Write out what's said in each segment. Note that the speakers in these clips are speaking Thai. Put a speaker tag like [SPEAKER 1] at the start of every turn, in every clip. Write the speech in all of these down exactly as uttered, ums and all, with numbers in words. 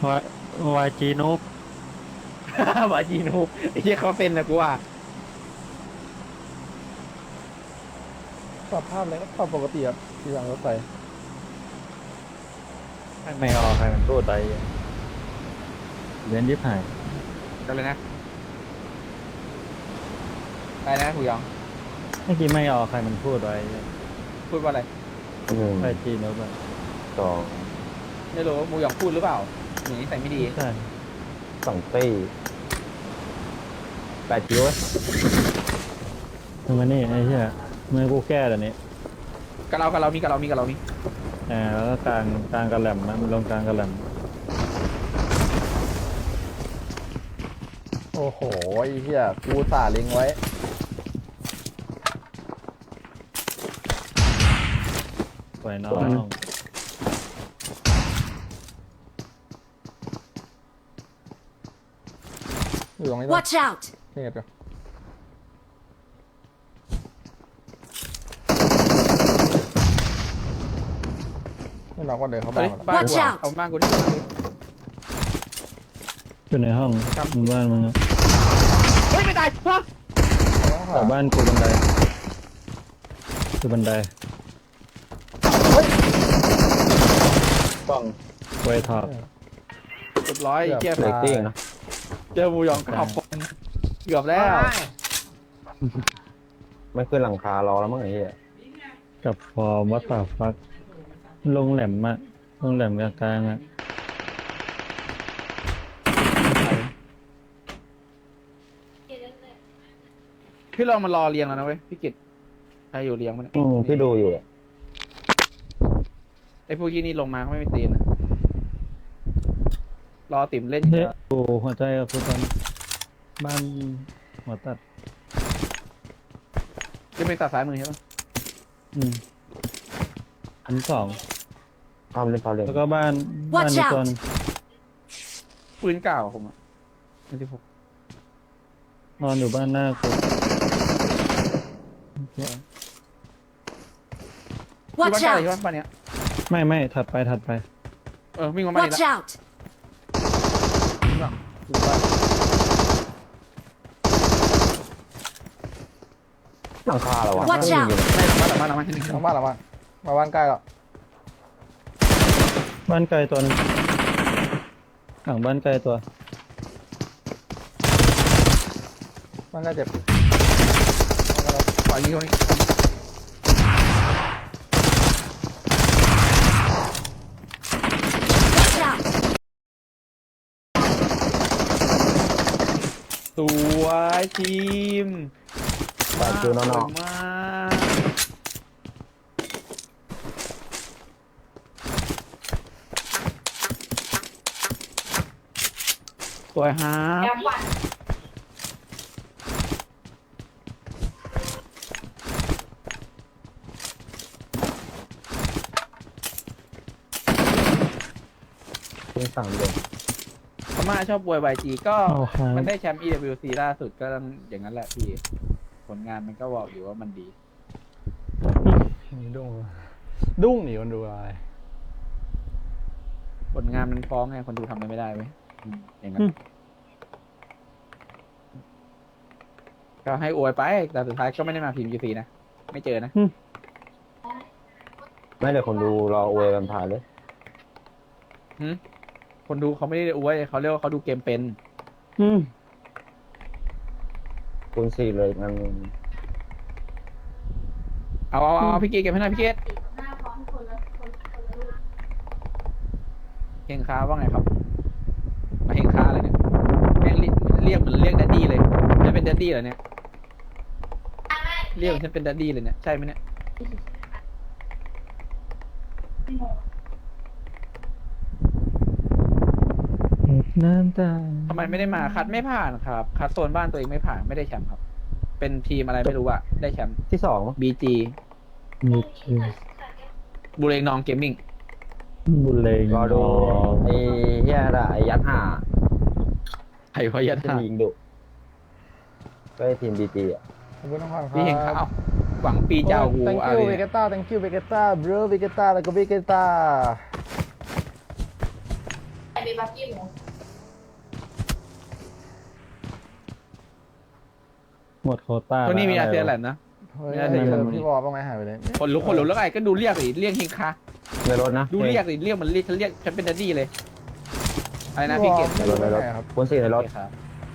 [SPEAKER 1] วายวายจีนุ๊ก
[SPEAKER 2] บาจีนูไอ้เหี้ยเขาเป็นนะกูว่า
[SPEAKER 3] ปรับภาพเลยก็ปรับปกติครับที่หลังรถไฟ
[SPEAKER 1] ไม่ออกใครมันพูดไปเว้นยิบหาย
[SPEAKER 2] กันเลยนะไปนะคุยอง
[SPEAKER 1] เมื่อกี้ไม่ออกใครมันพูดไว้
[SPEAKER 2] พูดว่าอะไร
[SPEAKER 4] หนึ่ง
[SPEAKER 1] วายจีนุ๊กอะ
[SPEAKER 4] สอง
[SPEAKER 2] ไม่รู้มูยองพูดหรือเปล่าหนีใส่ไม่ดี
[SPEAKER 1] ใช่
[SPEAKER 4] สองตีแปดคิว
[SPEAKER 1] ทำไมนี่ไอ้เหี้ยเมื่อกูแก้เดี๋ยวนี้
[SPEAKER 2] กับเรากับเรามีกับเรามีกับเรามี
[SPEAKER 1] อ่าแล้วก็กลางกลางกระแหลมนะมันลงกลางกระแหลม
[SPEAKER 3] โอ้โหไอ้เหี้ยกูสาเล็งไว้
[SPEAKER 1] ปล่อยน้อง
[SPEAKER 3] อยู่ตรงนี้ด้วย
[SPEAKER 5] Watch out!
[SPEAKER 3] นี่ไงเดี๋ยวไม่น็อกว่าเดินเข้าบ้า
[SPEAKER 2] เฮ้
[SPEAKER 3] น
[SPEAKER 2] ย
[SPEAKER 3] ก่อน
[SPEAKER 2] บ้าน
[SPEAKER 5] Watch
[SPEAKER 2] กู
[SPEAKER 5] out
[SPEAKER 2] เอาบ้านกูดิ
[SPEAKER 1] อยู่ในห้องมึงบ้านมึงอะ
[SPEAKER 2] เฮ้ยไม่ตายฮะ
[SPEAKER 1] แต่บ้านกูบันไดคือบันไดป้องไว้ท็อป
[SPEAKER 2] เรียบร้อยเกียร์
[SPEAKER 4] เลตติ้งนะ
[SPEAKER 2] เจอมูยองกลับเกือบแล้ว
[SPEAKER 4] ไม่ขึ้นหลังคารอแล้วมั้งไอ้เหี้ย
[SPEAKER 1] กับฟอร์มวัตตาฟักลงแหลมอะลงแหลมกลางๆอะ
[SPEAKER 2] พี่ลองมารอเรียงแล้วนะเว้ยพี่กิตใครอยู่เรียงมันย
[SPEAKER 4] อืมที่ดูอยู่อะ
[SPEAKER 2] ไอ้พวกยี่นี่ลงมาเขาไม่มีตีนอะรอติ่มเล่นอยู่
[SPEAKER 1] เฮ้ย
[SPEAKER 2] แล้ว
[SPEAKER 1] กูหัวใจกับกูตอนบ้านหัวตัด
[SPEAKER 2] จะเป็นตัดสายมือใช่ปะ
[SPEAKER 1] อืมอันสอง
[SPEAKER 4] ภาพเล่นภาพเล่น
[SPEAKER 1] แล้วก็บ้านบ้าน
[SPEAKER 5] Watch
[SPEAKER 1] ใน
[SPEAKER 5] out
[SPEAKER 1] ตัวนึง
[SPEAKER 2] ปืนเก่าผมอะไม่ที่ผม
[SPEAKER 1] นอนอยู่บ้านหน้ากู
[SPEAKER 2] ที่บ้าน
[SPEAKER 5] Watch
[SPEAKER 2] เก่าใช่
[SPEAKER 5] out!
[SPEAKER 2] ปะบ้านเนี้ย
[SPEAKER 1] ไม่ไม่ถัดไปถัดไป
[SPEAKER 2] เออวิ่งมาบ้านนี้
[SPEAKER 5] Watch
[SPEAKER 2] แล้ว
[SPEAKER 5] out!
[SPEAKER 2] อยู่บ้าน
[SPEAKER 4] หลังคาเหรอวะ
[SPEAKER 5] Watch
[SPEAKER 4] ไม่
[SPEAKER 5] out
[SPEAKER 4] มีเลย
[SPEAKER 2] ไม่หลังบ้านหลังบ้านหลังบ้านที่หนึ่ง
[SPEAKER 3] หลังบ้านหลังบ้านมาบ้านใกล้แล้ว
[SPEAKER 1] บ้านไกลตัวนึงหลังบ้านไกลตัว
[SPEAKER 3] บ้านใกล้เจ็บ
[SPEAKER 2] ปล่อยยิงตรงนี้
[SPEAKER 5] Watch out!
[SPEAKER 2] สวยทีม
[SPEAKER 4] แปดคิวนอก
[SPEAKER 2] มากสวยฮะ
[SPEAKER 4] ๆเป็นสามเดือน
[SPEAKER 2] พม่าชอบบวยไวจีก็
[SPEAKER 1] เอาครับ
[SPEAKER 2] มันได้แชมป์ อี ดับเบิลยู ซี ล่าสุดก็ต้องอย่างนั้นแหละพี่ ผลงานมันก็บอกอยู่ว่ามันดี
[SPEAKER 3] ดุ้งดุ้งหนีคนดูอะไร
[SPEAKER 2] ผลงานมันฟ้องไงคนดูทำอะไรไม่ได้ไหมอย่างนั้น ก็ให้อวยไป แต่สุดท้ายก็ไม่ได้มาพิมพ์ ยู ซี นะ ไม่เจอนะ
[SPEAKER 4] ไม่เลยคนดูรออวยกันผ่านเลย
[SPEAKER 2] หึคนดูเขาไม่ได้อวยเขาเรียกว่าเขาดูเกมเป็น
[SPEAKER 1] อืม
[SPEAKER 4] คูณสี่เลยมัน
[SPEAKER 2] เอาเอาเอาพี่เกดเก็บให้หน่อยพี่เกดเฮงค้าว่าไงครับ มาเฮงค้าเลยเนี่ยแม่งเรียกเรียกเหมือนเรียกแดดดี้เลยจะเป็นแดดดี้เหรอเนี่ย เรียกเหมือนฉันเป็นแดดดี้เลยเนี่ย ใช่ไหมเนี่ย
[SPEAKER 1] น้ำตา
[SPEAKER 2] ทำไมไม่ได้มา คัดไม่ผ่านครับ คัดโซนบ้านตัวเองไม่ผ่าน ไม่ได้แชมป์ครับ เป็นทีมอะไรไม่รู้อะได้แชมป์
[SPEAKER 4] ที่สองมั้ง
[SPEAKER 2] บี จี
[SPEAKER 1] มีคิว
[SPEAKER 2] บุเรงนองเกมมิ่ง
[SPEAKER 1] บุเลง
[SPEAKER 4] รอดูไอ้เหี้ยอะไรไอ้ยัดห่า
[SPEAKER 2] ไผ่พยัต
[SPEAKER 4] ที่
[SPEAKER 2] ถา
[SPEAKER 4] ยิงดุก็ไอ้ทีมบีจีอ่ะ
[SPEAKER 3] ขอบคุณน้องพันครับ
[SPEAKER 2] พี่เฮงค้าเอาหวังปีเจ้ากู
[SPEAKER 3] thank
[SPEAKER 2] เอา
[SPEAKER 3] you
[SPEAKER 2] เล
[SPEAKER 3] เวย เกต้า thank you เวเกต้า bro เวเกต้าแล้วก็เวเกต้า
[SPEAKER 5] มีบักกี้หมู
[SPEAKER 1] หมดโควต้า
[SPEAKER 2] ตัวนี้มีอาเซียนแห
[SPEAKER 1] ละ
[SPEAKER 2] ละนะ
[SPEAKER 3] เฮ้ย
[SPEAKER 2] ไม่น่าจะอยู่
[SPEAKER 3] เจอพี่วอลบ้างไหมหายไปเลย
[SPEAKER 2] คนลุกคนลุกแล้วไงก็ดูเรียกสิเรียกเฮงคา
[SPEAKER 4] ในรถนะ
[SPEAKER 2] ดูเรียกสิเรียกมันเรียกฉันเรียกฉันเป็นดัดดี้เลยอะไรนะพี่เกด
[SPEAKER 4] ในรถในรถ
[SPEAKER 3] ครับ
[SPEAKER 4] คนสี่ในรถ
[SPEAKER 2] ครับ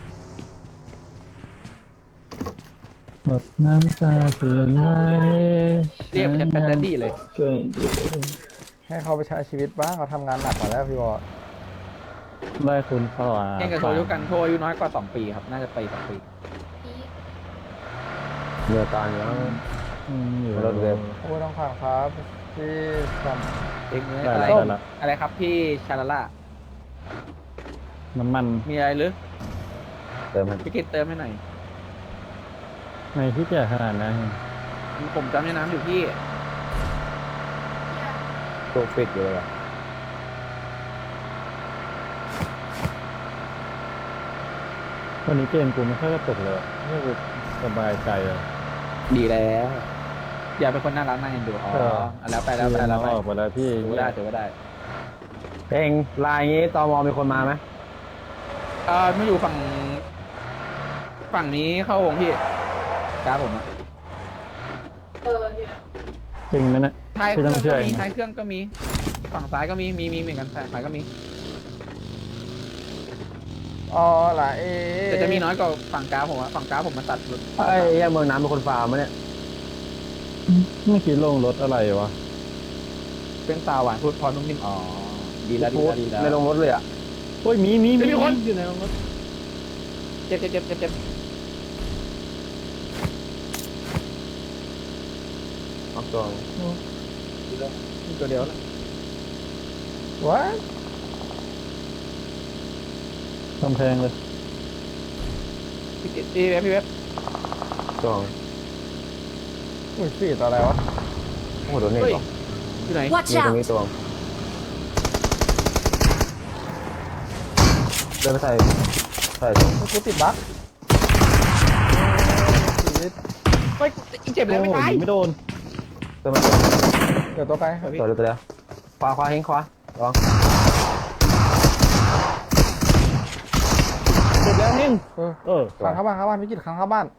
[SPEAKER 1] หมดน้ำตาเพื่อนไหล
[SPEAKER 2] เรียกฉันเป็นดัดดี้เลย
[SPEAKER 1] ช่วย
[SPEAKER 3] ให้เขาไปใช้ชีวิตบ้างเขาทำงานหนักมาแล้วพี่วอล
[SPEAKER 1] ได้คุณเข้าอ่ะ
[SPEAKER 2] เองกับโทอายุกันโทอายุน้อยกว่าสองปีครับน่าจะไปสองปี
[SPEAKER 4] เรือการแล้ว
[SPEAKER 1] อืมอยู่
[SPEAKER 4] รถเว็บ
[SPEAKER 3] โอ้ยน้องผ่านครับพี่ซัม
[SPEAKER 2] เองเนี่ย
[SPEAKER 1] ได้
[SPEAKER 2] อะไร
[SPEAKER 1] แล้วได้แล้ว
[SPEAKER 2] อะไรครับพี่ชาลาล่า
[SPEAKER 1] น้ำมัน
[SPEAKER 2] มีอะไรหรือ
[SPEAKER 4] เติมมัน
[SPEAKER 2] พี่เกดเติมให้หน่อย
[SPEAKER 1] ในที่แก่ขนาดนั้น
[SPEAKER 2] ผมจำในน้ำอยู่พี่
[SPEAKER 4] ตัวฟิตอยู่เลยอะ
[SPEAKER 1] วันนี้เกมกูไม่ค่อยกระตุกเลยไม่กูสบายใจเลย
[SPEAKER 2] ดีแล้ว อย่าเป็นคนน่ารักน่าเอ็นดูอ๋อ
[SPEAKER 1] เออ
[SPEAKER 2] แล้วไปแล้วไปแล้วไป
[SPEAKER 1] ออกไปแล้วพี่
[SPEAKER 2] ถือว่าได้ถือว่าได้
[SPEAKER 4] เองลายงี้ตมมีคนมาไหม
[SPEAKER 2] เออมาอยู่ฝั่ง ฝั่งนี้เข้าวงพี่จ้าผมอะ
[SPEAKER 5] เออเนี่ย
[SPEAKER 1] จริงไหมเนะ
[SPEAKER 2] ท้ายเค
[SPEAKER 1] พี่
[SPEAKER 2] รื่
[SPEAKER 1] ต้
[SPEAKER 2] อ
[SPEAKER 1] อง งเชื่
[SPEAKER 2] ก็
[SPEAKER 1] อ
[SPEAKER 2] มี
[SPEAKER 1] เองนะ
[SPEAKER 2] ท้ายเครื่องก็มี ฝั่งซ้ายก็มีมีมีเหมือนกันซ้ายขวาก็มี
[SPEAKER 3] อ๋อล่ะเอ
[SPEAKER 2] แต่จะมีน้อยกว่าฝั่งกราฟผมอะฝั่งกราฟผมมาตัดรถ
[SPEAKER 4] ไอ้เหี้ยเมืองน้ำเป็นคนฟาร์มมะเนี่ย
[SPEAKER 1] เมื่อกี้ลงรถอะไรวะ
[SPEAKER 2] เป็นตาหวานพูดพอนุ่มนิ่มอ๋อดีแล้วดี
[SPEAKER 4] พูด
[SPEAKER 2] แล้วดีแล้ว
[SPEAKER 4] ไม่ลงรถเลยอ่ะ
[SPEAKER 1] โอ้ยมีมี
[SPEAKER 2] เฮ้ยมีคน
[SPEAKER 1] อยู่ในรถ
[SPEAKER 2] เจ็บเจ็บเจ็บเจ็บเจ็บ
[SPEAKER 4] เอาตัว
[SPEAKER 2] ตัวเดียวแล้ว
[SPEAKER 3] วะ
[SPEAKER 1] กำแพงเลย
[SPEAKER 2] พี่เจ็บพี่เว็บพี่เว็บ
[SPEAKER 4] ตัว
[SPEAKER 3] อุ้ยฟีดอะไรวะ
[SPEAKER 4] โอ้โหโดนเน็ต
[SPEAKER 2] เฮ้ย
[SPEAKER 4] หรอ
[SPEAKER 2] อยู่ไหน
[SPEAKER 6] Watch
[SPEAKER 4] มีตรง
[SPEAKER 6] out!
[SPEAKER 4] นี้ตัวเดินไปใส่ใส่ตรง
[SPEAKER 3] กูติดบั๊กชีวิต
[SPEAKER 2] เฮ้ยเจ็บแล้วไม่ตาย
[SPEAKER 1] โอ้โหไม่โดน
[SPEAKER 4] เดินมาตัว
[SPEAKER 3] เดี๋ยวตัวไป
[SPEAKER 4] ตัวเดียวตัวเดียวขวาขวาเฮงขวาลอง
[SPEAKER 1] จบแล้วนิ่ง
[SPEAKER 3] เออ
[SPEAKER 1] เออ
[SPEAKER 3] ขังเข้าบ้านเข้าบ้านวิกฤตขังเข้าบ้าน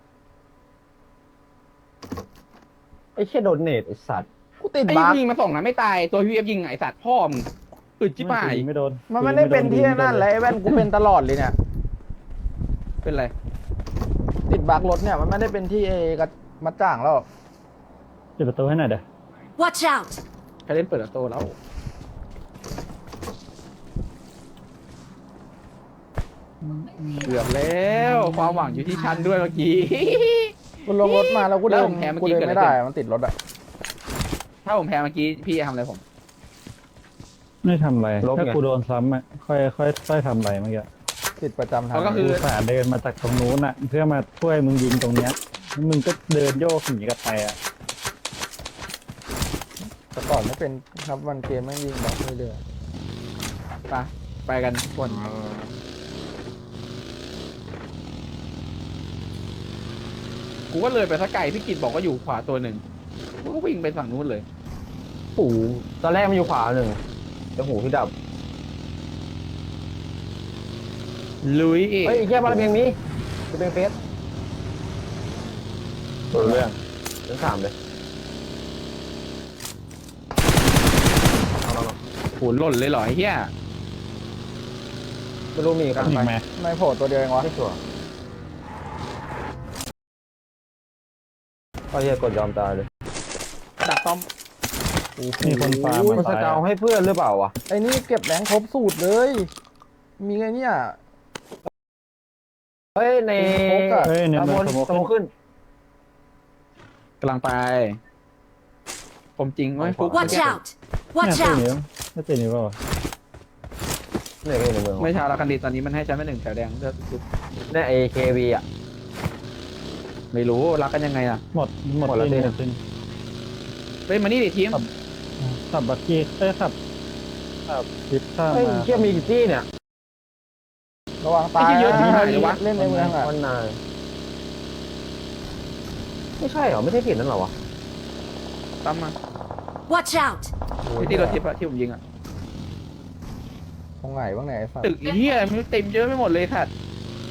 [SPEAKER 4] ไอ้เชี่ยโดนเน็ตไอ้สัตว์
[SPEAKER 3] กูติด
[SPEAKER 2] ไอ้
[SPEAKER 3] บั๊ก
[SPEAKER 2] ยิงมาส่งนะไม่ตายตัวพี่เอฟยิงไอ้สัตว์พ่อมึงอึดจิ๋ป่าย
[SPEAKER 1] ไม่โดน
[SPEAKER 3] มันไม่ได้เป็นที่นั่นแหละไอ้แว่นกูเป็นตลอดเลยเนี่ย
[SPEAKER 2] เป็นไร
[SPEAKER 3] ติดบั๊กรถเนี่ยมันไม่ได้เป็นที่เอกับมัดจ่างแล้ว
[SPEAKER 1] ปิดประตูให้หน่อยเด้อ
[SPEAKER 6] Watch out!
[SPEAKER 2] ใครเล่นเปิดประตูแล้วเกือบแล้วความหวังอยู่ที่ฉันด้วยเมื่อกี้
[SPEAKER 3] กูลงรถมาแล้วกูเดิ
[SPEAKER 2] แล้ว
[SPEAKER 3] น
[SPEAKER 2] ผมแพ้เมื่อ
[SPEAKER 3] กู
[SPEAKER 2] กี้
[SPEAKER 3] เดิน
[SPEAKER 2] เกิด
[SPEAKER 3] ไม่
[SPEAKER 2] อะไร
[SPEAKER 3] ได้
[SPEAKER 2] ขึ้น
[SPEAKER 3] มันติดรถอะ
[SPEAKER 2] ถ้าผมแพ้เมื่อกี้พี่จะทำอะไรผม
[SPEAKER 1] ไม่ทำอะไรถ้ากูโดนซ้ำอ่ะค่อยค่อยค่อยทำอะไรเมื่อกี้
[SPEAKER 3] ติดประจำทาง
[SPEAKER 2] เขาก็คือ
[SPEAKER 1] กูสาห์เดินมาจากตรงนู้นอ่ะ เพื่อมาช่วยมึงยิงตรงเนี้ยแล้วมึงก็เดินโยกหนีกันไปอ่ะ
[SPEAKER 3] แต่ก่อนไม่เป็นครับวันเกมไม่ยิงบั๊กเรื่อย
[SPEAKER 2] ไปไปกันคนกูก็เลยไปสักไกลพี่กิตบอกว่าอยู่ขวาตัวหนึ่งกูก็วิ่งไปฝั่งนู้นเลย
[SPEAKER 4] หูตอนแรกมันอยู่ขวาหนึ่งแต่หูพี่ดับ
[SPEAKER 2] ลุย
[SPEAKER 4] เฮ้ยไอ้เชี่ยบาระเบียงมีจะเป็นเฟส
[SPEAKER 1] ตัวเรื่อง
[SPEAKER 4] ถึงสามเลยเอามา
[SPEAKER 2] โหหล่นเลยเหรอไอ้เหี้ย
[SPEAKER 4] ไม่รู้มีกัน
[SPEAKER 1] อี
[SPEAKER 4] ไป
[SPEAKER 1] กไหม
[SPEAKER 3] ๆไม่โผล่ตัวเดียวเองวะ
[SPEAKER 4] ไม่ชัวร์ก็เฮียกดยอมตายเลย
[SPEAKER 2] ดักต้อม
[SPEAKER 1] มีคนฟาร์ม
[SPEAKER 4] มัน
[SPEAKER 1] มา
[SPEAKER 4] ส
[SPEAKER 1] ตาย
[SPEAKER 4] เกาให้เพื่อนหรือเปล่าวะ
[SPEAKER 3] ไอ้นี่เก็บแรงครบสูตรเลย มีไงเนี่ย
[SPEAKER 4] เฮ้ยใน
[SPEAKER 3] โฟกอะ
[SPEAKER 1] เฮ้ยเนี่ย
[SPEAKER 4] ตะ
[SPEAKER 1] มัน
[SPEAKER 4] บน
[SPEAKER 1] สโม
[SPEAKER 4] สมองขึ้น
[SPEAKER 2] กำลังไปผมจริงเว้ยฟุก
[SPEAKER 6] Watch out!
[SPEAKER 1] เนี่ย
[SPEAKER 6] Watch
[SPEAKER 1] ตัว
[SPEAKER 6] out!
[SPEAKER 1] นี้ไม่ตัวนี้เปล่าวะ
[SPEAKER 4] เนี่ยก็อยู่ในเมือง
[SPEAKER 2] ไม่ชาวลาคันดีตอนนี้มันให้ฉันไม่หนึ่งแถวแดงเลือดฟุก
[SPEAKER 4] เนี่ยไอเควีอ่ะ
[SPEAKER 2] ไม่รู้รักกันยังไงล่ะ
[SPEAKER 1] หมดหมด
[SPEAKER 4] หมดแล้ว
[SPEAKER 1] ที่
[SPEAKER 4] สิ
[SPEAKER 1] หมดที่
[SPEAKER 2] เฮ้ยมานี่ดิทีม
[SPEAKER 1] ขับบักกี้เอ้ยขับขับทิปข้าม
[SPEAKER 4] เฮ้ย
[SPEAKER 1] มา
[SPEAKER 4] เชี่ยมีกี่ที่เนี่ย
[SPEAKER 3] ระวังตาย
[SPEAKER 2] ไอ้เหี้ยเยอะที่ไหนวะ
[SPEAKER 3] เล่นในเมืองอะ
[SPEAKER 4] วันนายไม่ใช่เหรอไม่ใช่ผิดนั่นเหรอวะ
[SPEAKER 2] ตั้มมา
[SPEAKER 6] Watch out!
[SPEAKER 2] ไอ้ที่รถทิพย์อะที่ผมยิงอะ
[SPEAKER 3] ตรงไหนบ้างเนี่ยไอ้สัตว์
[SPEAKER 2] ตึกเฮียมันเต็มเยอะไปหมดเลยสัตว์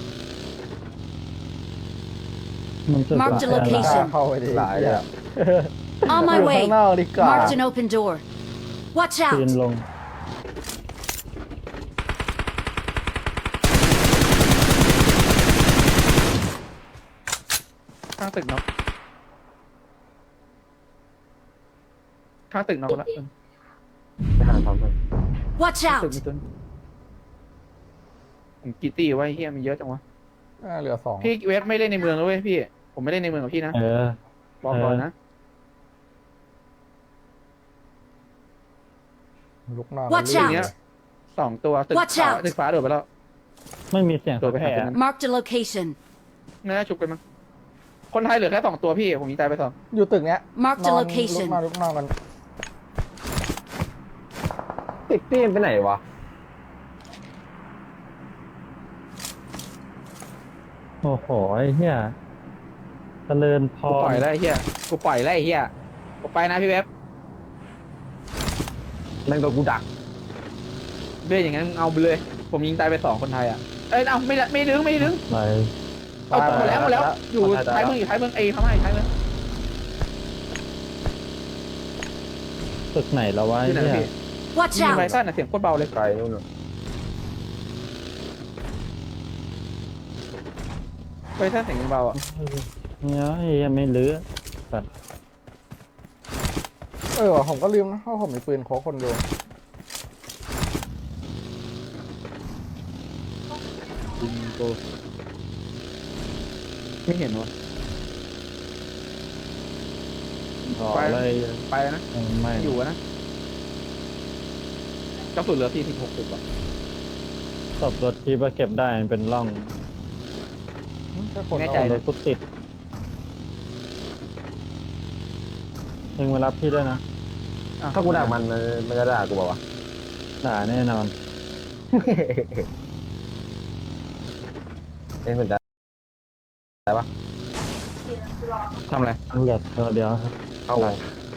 [SPEAKER 1] มันจะ
[SPEAKER 6] Mark the
[SPEAKER 1] หลาย
[SPEAKER 3] กล้า
[SPEAKER 6] location
[SPEAKER 3] เข้าไปดิ
[SPEAKER 4] หลายเลยอะ
[SPEAKER 6] On
[SPEAKER 3] อ
[SPEAKER 6] my
[SPEAKER 3] ยู่ข้า
[SPEAKER 6] way.
[SPEAKER 3] งนอกดีกว่า
[SPEAKER 6] Marked an open door. Watch
[SPEAKER 1] ปีน
[SPEAKER 6] out.
[SPEAKER 1] ลง
[SPEAKER 2] ข้างตึกเนาะข้างตึกเนาะละ
[SPEAKER 4] ไปหาความมัน
[SPEAKER 6] Watch
[SPEAKER 2] ตึก
[SPEAKER 6] out.
[SPEAKER 2] มีต้นผมกี่ตีไว้เฮียมีเยอะจังวะ
[SPEAKER 3] อ่าเหลือสอง
[SPEAKER 2] พี่เวฟไม่เล่นในเมืองแล้วเว้ยพี่ ผมไม่เล่นในเมืองกับพี่นะ
[SPEAKER 1] เออ
[SPEAKER 2] บอกก่อนนะ
[SPEAKER 3] ลุกนอน
[SPEAKER 6] Watch
[SPEAKER 3] ลื่น
[SPEAKER 6] out
[SPEAKER 3] เลย
[SPEAKER 2] สองตัวตึก
[SPEAKER 6] Watch
[SPEAKER 2] ฟ้า
[SPEAKER 6] out
[SPEAKER 2] ตึกฟ้าโดดไปแล้ว
[SPEAKER 1] ไม่มีเสียง
[SPEAKER 2] โดดไปหา
[SPEAKER 1] แผ่
[SPEAKER 2] ตรงนั้น
[SPEAKER 6] Marked a location.
[SPEAKER 2] น่าจะชุบกันมั้งคนไทยเหลือแค่สองตัวพี่ผมยิงตายไปสอง
[SPEAKER 3] อยู่ตึกเนี้ย
[SPEAKER 6] Marked
[SPEAKER 3] น
[SPEAKER 6] a
[SPEAKER 3] อนลุก
[SPEAKER 6] location.
[SPEAKER 3] นอนลุกนอนกัน
[SPEAKER 4] ติดตี้มันไปไหนวะ
[SPEAKER 1] โอ้โหไอ้เหี้ยเจริญพ
[SPEAKER 2] กูปล่
[SPEAKER 1] ร
[SPEAKER 2] อยแล้วไอ้เฮียกูปล่อยแล้วไอ้เฮียกูไปนะพี่เวฟ
[SPEAKER 4] แม่งโดนกูดัก
[SPEAKER 2] เรื่องอย่างนั้นเอาไปเลย ผมยิงตายไปสองคนไทยอ่ะเอ้ยเอาไม่ได้ไม่ดึงไม่ดึง
[SPEAKER 1] ไป
[SPEAKER 2] เอาหมดแล้วหมดแล้วอยู่ท้ายเมืองอยู่ท้ายเมืองเอเข้ามาอยู่ท้ายเมือง
[SPEAKER 1] ตึกไหนแล้ววะ
[SPEAKER 2] อ
[SPEAKER 1] ไอ้
[SPEAKER 2] ยู่ไหน
[SPEAKER 1] เหี้ย
[SPEAKER 2] พี่
[SPEAKER 6] Watch
[SPEAKER 2] ยิงไว
[SPEAKER 6] out.
[SPEAKER 2] สั้นอ่ะเสียงโคตรเบาเลย
[SPEAKER 4] ไกลนู่นน่ะ
[SPEAKER 2] ไวสั้นเสียงเบาอ่ะ
[SPEAKER 1] เนี่ยไอ้เหี้ยไม่เหลือสัตว์
[SPEAKER 3] เออผมก็ลืมนะว่าผมมีปืนโค้กคนเดียว
[SPEAKER 1] ยิงกู
[SPEAKER 2] ไม่เห็นวะ
[SPEAKER 1] ขออะไร
[SPEAKER 2] ไปแล้วนะ
[SPEAKER 1] ไม่
[SPEAKER 2] อยู่อะนะกระสุนเหลือสี่สิบหกสิบอ่ะ
[SPEAKER 1] ตบรถที่ว่าเก็บได้มันเป็นร่อง
[SPEAKER 3] แค่คน
[SPEAKER 2] แน่
[SPEAKER 3] เอา
[SPEAKER 2] ใจ
[SPEAKER 1] ร
[SPEAKER 2] เล
[SPEAKER 1] ถ
[SPEAKER 2] ย
[SPEAKER 1] กูติดมึงมารับพี่ด้วยนะ
[SPEAKER 4] ถ้ากูดักมันมันมันจะด่ากูบอกว่าวะ
[SPEAKER 1] ด่าแน่นอน
[SPEAKER 4] เอ็นเหมือนกัน
[SPEAKER 2] ทำอะไร
[SPEAKER 1] เหลือตัวเดียวครับ
[SPEAKER 4] เข้าไป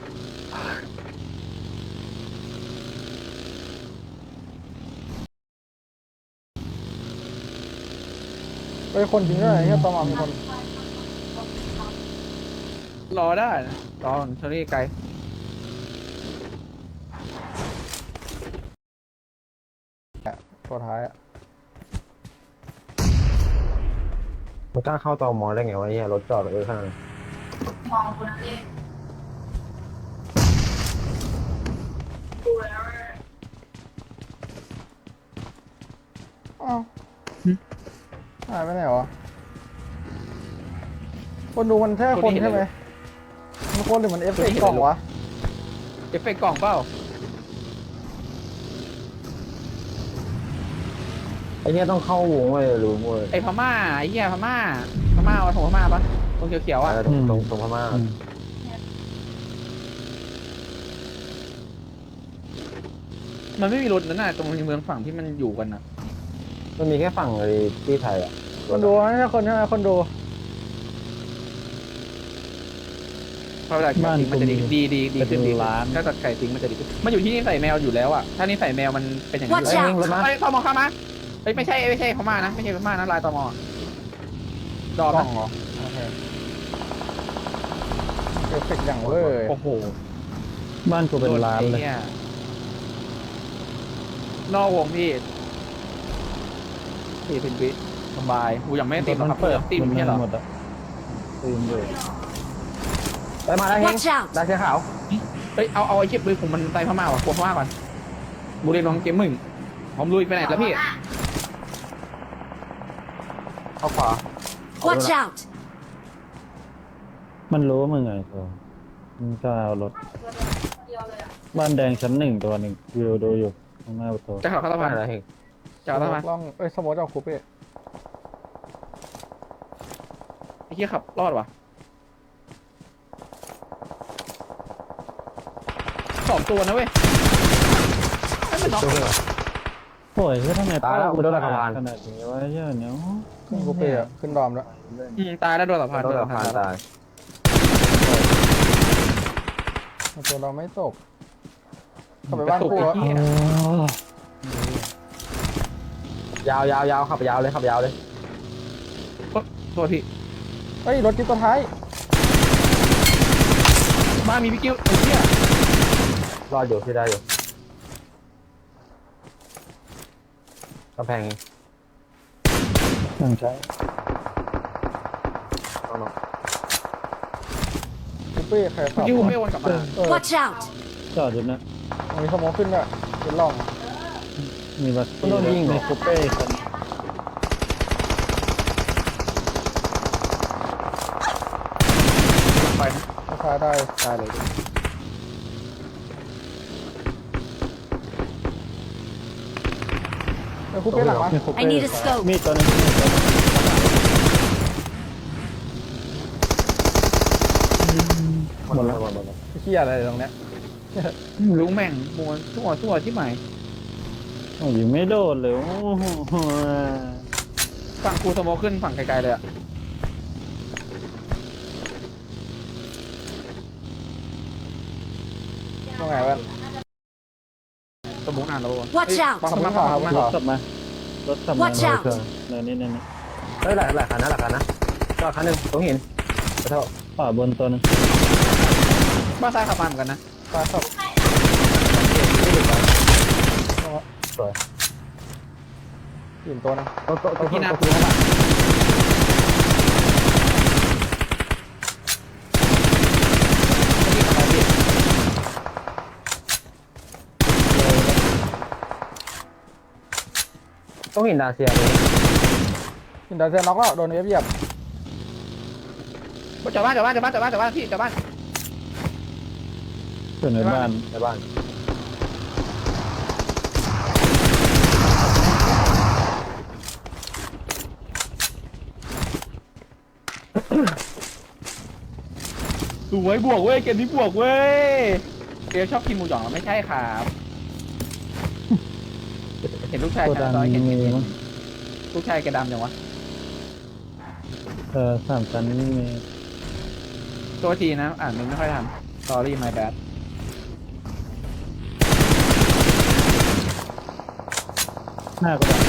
[SPEAKER 3] เฮ้ยคนจริงด้วยไอ้เหี้ยตอมามีคน
[SPEAKER 2] รอได้นะรอเทอรี่ไกล
[SPEAKER 3] ตัวท้ายอะ
[SPEAKER 4] มันกล้าเข้าตอมอได้ไงวะเนี่ยรถจอดเออข้างนั้น
[SPEAKER 5] มองคนนั้นเองดูแล้ว
[SPEAKER 3] อ้าวหายไปไหนวะคนดูมันแค่คนใช่ไหมมันคนหรือมันเอฟเฟกต์กล่องวะ
[SPEAKER 2] เอฟเฟกต์กล่องเปล่า
[SPEAKER 4] ไอ้เนี่ยต้องเข้าวงเว้ยรู้เว้ย
[SPEAKER 2] ไอพม่าไอเหี้ยพม่าพม่าเอาของพม่าปะตรงเขียวๆอ่ะ
[SPEAKER 4] เออตรงตรงตรงพม่า
[SPEAKER 1] อืม
[SPEAKER 2] มันไม่มีรถนั่นน่ะตรงในเมืองฝั่งที่มันอยู่กันน่ะ
[SPEAKER 4] มันมีแค่ฝั่งไอ้ที่ไทยอ่ะ
[SPEAKER 3] คนดูไม่ใช่คนใช่ไหมคนดู
[SPEAKER 2] เพราะเวลาไก่ทิ้งมันจะดีดีดีดีขึ้นดีถ้าตัดไก่ทิ้งมันจะดีขึ้นมันอยู่ที่นี่ใส่แมวอยู่แล้วอ่ะถ้านี่ใส่แมวมันเป็นอย่างนี้
[SPEAKER 6] Watch
[SPEAKER 2] เอ้ย
[SPEAKER 6] out
[SPEAKER 2] รถมาไอ้ตมเข้ามาเอ้ยไม่ใช่ไม่ใช่พม่านะไม่ใช่พม่านะลายตมดอม
[SPEAKER 3] กล่อ
[SPEAKER 2] นะ
[SPEAKER 3] งเหรอโอเคเอฟเฟกต์อย่างเว้ย
[SPEAKER 2] โอ้โห
[SPEAKER 1] บ้านกูเป็นร้านเลย
[SPEAKER 2] ไอ้หี้นอกวงพี่สี่สิบวิสบายกูยังไม่ได้ตีหรอกครับเปิดตีม
[SPEAKER 1] มัน
[SPEAKER 2] ไม่ใช่เหรอ
[SPEAKER 1] หมดอะตีมอยู่
[SPEAKER 4] ไปมาได้เฮง
[SPEAKER 6] Watch out.
[SPEAKER 4] ได้เสื้อขาว
[SPEAKER 2] เฮ้ยเอาเอาไอ้เก็บปืนผมมันไปพม่าว่ะกลัวพม่าก่อนบุรีรัมย์เกมมึงผมลุยไปไหนแล้วพี่
[SPEAKER 4] เข้าขวา
[SPEAKER 6] Watch out.
[SPEAKER 1] มันรู้ว่ามึงไงตัวมึงก็เอารถ
[SPEAKER 5] เดียวเลยอ่ะ
[SPEAKER 1] บ้านแดงชั้นหนึ่งตัวหนึ่งวิวดูอยู่ข้างหน้าประตู
[SPEAKER 2] จะขับเข้าสะ
[SPEAKER 4] ไป
[SPEAKER 2] พาน
[SPEAKER 4] ได้เฮง
[SPEAKER 2] จะขับเข้าสะพาน
[SPEAKER 3] ล่องเอ้ยสมมติเอาคูเป้
[SPEAKER 2] ไอ้เหี้ยขับรอดว่ะสองตัวนะเว้ยไม่เป็นน็อก
[SPEAKER 1] โอ้ยเฮ้ยทำไม
[SPEAKER 4] ตายแล้วกูโดนสะพาน
[SPEAKER 1] ขนาดนี้วะเหี้ยอะเนี้ย
[SPEAKER 3] ขึ้นคูเป้อะขึ้นดอมแล้ว
[SPEAKER 2] อืมตายแล้วโดนสะพาน
[SPEAKER 4] โด
[SPEAKER 2] โด
[SPEAKER 4] น
[SPEAKER 2] น
[SPEAKER 4] สะ
[SPEAKER 2] สะ
[SPEAKER 4] พา
[SPEAKER 2] พาน น
[SPEAKER 4] ตาย
[SPEAKER 3] ตัวเราไม่ตกเข้าไปบ้านกู
[SPEAKER 2] กระตุก
[SPEAKER 3] แล้ว
[SPEAKER 2] ไอ้เหี้ย
[SPEAKER 1] อ๋อ
[SPEAKER 4] ยาวยาวยาวขับยาวเลยขับยาวเลย
[SPEAKER 2] โอ๊ะโทษพี่
[SPEAKER 3] เฮ้ยรถจิ๊บตัวท้าย
[SPEAKER 2] บ้านมีพี่กิ้วไอ้เหี้ย
[SPEAKER 4] รอดอยู่ที่ได้อยู่กำแพง
[SPEAKER 1] ตั้งใจ
[SPEAKER 4] น้อง
[SPEAKER 3] คูเป้ใครขั
[SPEAKER 2] พี่
[SPEAKER 3] บ
[SPEAKER 2] กิ้วไม่วนกลับมา
[SPEAKER 3] เออ
[SPEAKER 6] Watch out!
[SPEAKER 1] จอดอยู่นะ
[SPEAKER 3] มีสโมองขึ้นด้วยเป็นร่อง
[SPEAKER 1] มีบัตรมีคูเป้ครับ
[SPEAKER 2] ไปนะ
[SPEAKER 3] ราคาได้
[SPEAKER 2] ได้เลย
[SPEAKER 3] เออคูเป้หลังมา
[SPEAKER 1] มีคูเป้
[SPEAKER 6] I need a scope
[SPEAKER 1] มีตัวนึงมีตัวนึง
[SPEAKER 4] หมดแล้วหมดแล้ว
[SPEAKER 3] ไอ้เหี้ยอะไรตรงเนี้ย
[SPEAKER 2] รู้แม่งมวนทั่วทั่วที่ไหน
[SPEAKER 1] โอ้ยไม่โดดเลยโอ้โห
[SPEAKER 2] ฝั่งกูสโมขึ้นฝั่งไกลๆเลยอะ
[SPEAKER 3] ตรงไหนวะ
[SPEAKER 2] สโมนานแล้ว
[SPEAKER 6] Watch out
[SPEAKER 2] บังคับ
[SPEAKER 3] ขอบ
[SPEAKER 2] มา
[SPEAKER 3] คุณ
[SPEAKER 2] บัง
[SPEAKER 3] ค
[SPEAKER 2] คั
[SPEAKER 3] รั
[SPEAKER 2] บบ มาร
[SPEAKER 1] ถกลับมารถกลับมา
[SPEAKER 6] Watch out
[SPEAKER 1] เนินนี่เนินนี่
[SPEAKER 4] เฮ้ยหลายหลายคันนะหลายคันนะจอดคันหนึ่งตรงหินขอโทษ
[SPEAKER 1] ขวาบนตัวนึง
[SPEAKER 2] บ้านซ้ายขับมาเหมือนกันนะ
[SPEAKER 3] ปลาขับ
[SPEAKER 4] สวย
[SPEAKER 3] หินตัวนึง
[SPEAKER 4] ตัวตัวตัว
[SPEAKER 2] ที่หน้า
[SPEAKER 4] ตัว
[SPEAKER 2] กูเข้ามา
[SPEAKER 4] ต้องหินดาเซียเลย
[SPEAKER 3] หินดาวเซียน็อกแล้วโดนเอฟเหยียบ
[SPEAKER 2] จอดบ้านจอดบ้านจอดบ้านจอดบ้านจอดบ้านพี่จอดบ้าน
[SPEAKER 1] อยู่ในบ้าน
[SPEAKER 4] ในบ้าน
[SPEAKER 2] สวยบวกเว้ยเกมนี้บวกเว้ยเกมชอบกินหมูหยองไม่ใช่ครับเห็นลูกชาย
[SPEAKER 1] โก
[SPEAKER 2] ชา
[SPEAKER 1] ดั
[SPEAKER 2] ย
[SPEAKER 1] ง
[SPEAKER 2] น้อยเห็น
[SPEAKER 1] มี
[SPEAKER 2] เห็น
[SPEAKER 1] มั้ง
[SPEAKER 2] ลูกชายแกดำยังวะ
[SPEAKER 1] เออสามชั้นนี่มี
[SPEAKER 2] ตัวทีนะอ่านมันไม่ค่อยทัน sorry my bad
[SPEAKER 1] หน้าโกดัง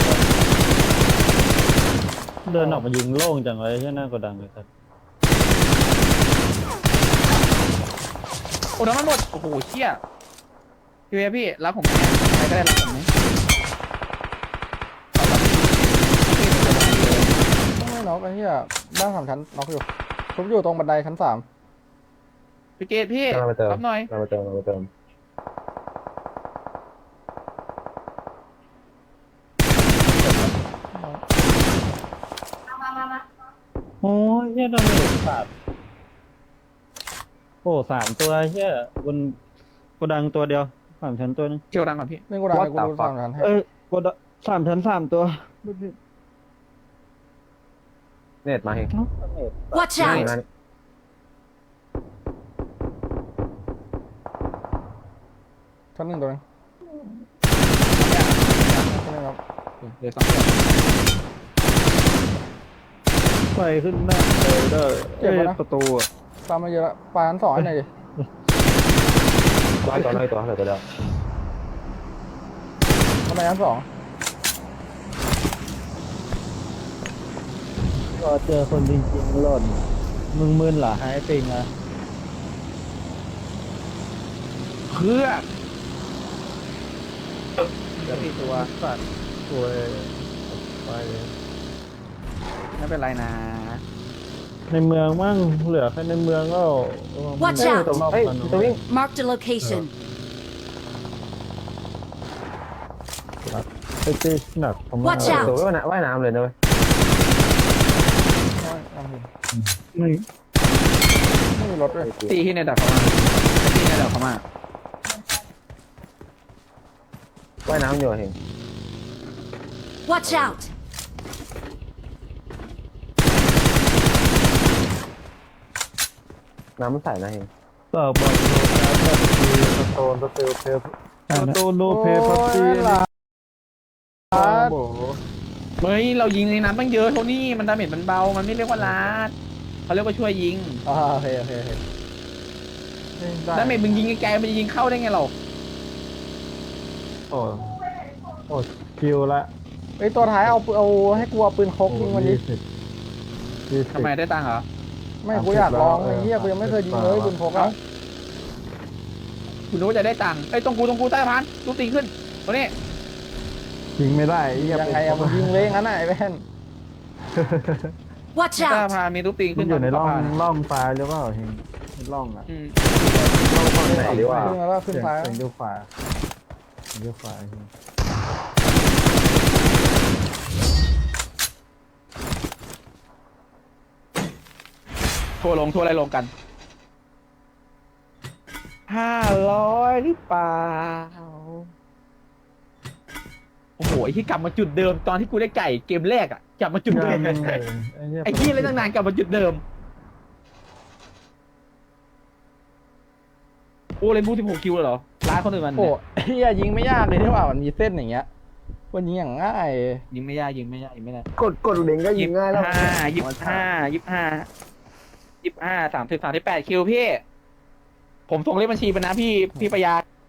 [SPEAKER 1] เดินออกมายิงโล่งจังเลยใช่หน้าโกดังเลยครับ
[SPEAKER 2] โอ้น้ำมันหมดโอ้โหเชี่ยพี่เวยพี่รับผมไหมใครก็ได้รับผมไหม
[SPEAKER 3] ไม่น็อกไอ้เหี้ยบ้านสามชั้นน็อกอยู่ทุบอยู่ตรงบันไดชั้นสาม
[SPEAKER 2] พี่เกดพี่
[SPEAKER 4] เราไปเติม
[SPEAKER 2] รับหน่อย
[SPEAKER 4] เราไปเติมเราไปเติม
[SPEAKER 5] มามามามา
[SPEAKER 1] โอ้ยเฮียโดนเหล็กสาดโอ้สามตัวเฮียบนโกดังตัวเดียวสามชั้นตัวนึง
[SPEAKER 2] เคียวดังก่อนพี่
[SPEAKER 3] นี่กูดังกูดูสามชั้นให้
[SPEAKER 1] เอ้ยโกดังสามชั้นสามตัว
[SPEAKER 4] เน็ตมาเอง
[SPEAKER 6] Watch
[SPEAKER 4] นี่
[SPEAKER 6] out!
[SPEAKER 4] นะ
[SPEAKER 3] ชั้นหนึ่งตัวนึงชั้นหนึ่งครับ
[SPEAKER 2] เดี๋ยวสองเดือน
[SPEAKER 1] ไฟขึ้นหน้าเลยได้เอ้ยประตูอะ
[SPEAKER 3] ปลามาเยอะละปลาชั้นสองให้หน่อยดิ
[SPEAKER 4] ร้อยตัวร้อยตัวเหลือตัวเดียว
[SPEAKER 3] ทำไมชั้นสอง
[SPEAKER 1] ก็เจอคนจริงๆหล่นมึงมึนเหรอหายปิงอ่ะ
[SPEAKER 2] เพื่อเดี๋ยวพี่ตัว
[SPEAKER 1] สัตว์สวยไปเลย
[SPEAKER 2] ไม่เป็นไรนะ
[SPEAKER 1] ในเมืองมั่งเหลือแค่ในเมืองก็
[SPEAKER 6] Watch
[SPEAKER 4] เฮ้ย
[SPEAKER 6] out
[SPEAKER 4] ตัวเฮ้ยตัววิ่ง
[SPEAKER 6] Marked a location.
[SPEAKER 1] ไปตีหนักประมาณ
[SPEAKER 6] Watch out
[SPEAKER 4] ตัวว่ายน้ำว่ายน้ำเลยนะเว้ย
[SPEAKER 3] น้อยน้ำหิน
[SPEAKER 1] ไม่
[SPEAKER 3] ไม่มีรถด้วย
[SPEAKER 2] ตีที่ในดับเขามาตีในดับเขามา
[SPEAKER 4] ว่ายน้ำอยู่เห็น
[SPEAKER 6] Watch out!
[SPEAKER 4] น้ำมันใสนะเห็น
[SPEAKER 1] ตอบบอกโลกาพัตตีสโตนสเตลเพสสโตนโนเพพัตตี
[SPEAKER 3] โอ้ยหลาน
[SPEAKER 1] โอ้โห
[SPEAKER 2] เฮ้ยเรายิงในน้ำตั้งเยอะโทนี่มันดาเมจมันเบามันไม่เรียกว่าลาดเขาเรียกว่าช่วยยิง
[SPEAKER 3] อ่าโอเคโอเคโอเคนี่ได้
[SPEAKER 2] ดาเมจมึงยิงไกลๆมันจะยิงเข้าได้ไงเรา
[SPEAKER 1] โอ้โอ้คิวละ
[SPEAKER 2] ไป
[SPEAKER 3] ฮ้ยตัวท้ายเอาเอาให้กูเอาปืนพกยิงมันดิ
[SPEAKER 1] ยี่สิบยี่สิบ
[SPEAKER 2] ทำไมได้ตังค์เหรอ
[SPEAKER 3] ไม่กูอยากลองไอ้เหี้ย
[SPEAKER 1] เออ
[SPEAKER 3] กูยังไม่เคยยิงเลยปืนพกอ่ะ
[SPEAKER 2] คุณรู้ว่าจะได้ตังค์เอ้ยตรงกูตรงกูใต้สะพานลูกตีขึ้นตัวนี้
[SPEAKER 1] ยิงไม่ได้ไอ้เหี้
[SPEAKER 3] ยังไงอะมึงยิงเลยงั้นน่ะไอ้แว่น
[SPEAKER 6] Watch
[SPEAKER 2] ใต้สะ
[SPEAKER 6] out!
[SPEAKER 2] พานมีลูกตี
[SPEAKER 1] มั
[SPEAKER 2] ขึ้
[SPEAKER 1] น
[SPEAKER 2] น
[SPEAKER 1] อยู่ในร่อง
[SPEAKER 2] สะพาน
[SPEAKER 1] ร่องซ้ายหรือเปล่าเฮงในร่องอ่ะ
[SPEAKER 2] อืม
[SPEAKER 4] ต้องฝั่งไหนดีวะ
[SPEAKER 3] ขึ้นมาแล้วขึ้น
[SPEAKER 1] เสียง
[SPEAKER 3] ซ้าย
[SPEAKER 1] เสียงอยู่ขวาเสียงอยู่ขวาเฮง
[SPEAKER 2] ทัวร์ลงทัวร์อะไรลงกันห้าร้อยหรือเปล่าโอ้โหไอ้ที่กลับมาจุดเดิมตอนที่กูได้ไก่เกมแรกอ่ะกลับมาจุดเดิม
[SPEAKER 1] งานเลยเหี้ย
[SPEAKER 2] ไอ้ที่เล่นตั้งนานกลับมาจุดเดิมโอ้เล่นบูสิบหกคิวเลยเหรอร้านคนอื่นมัน
[SPEAKER 3] โอ้
[SPEAKER 2] เนี่ย
[SPEAKER 3] เหี้ยยิงไม่ยากเลยที่ว่ามันมีเส้นอย่างเงี้ยมันยิงอย่างง่าย
[SPEAKER 2] ยิงไม่ยากยิงไม่ยากยิงไม่ได้
[SPEAKER 4] กดกดเล็งก็ยิงง่ายแล้ว
[SPEAKER 2] ห้ายี่สิบห้ายี่สิบห้ายี่สิบห้าสามสิบสามสิบแปดคิวพี่ ผมส่งเลขบัญชีไปนะพี่พี่ประหยัด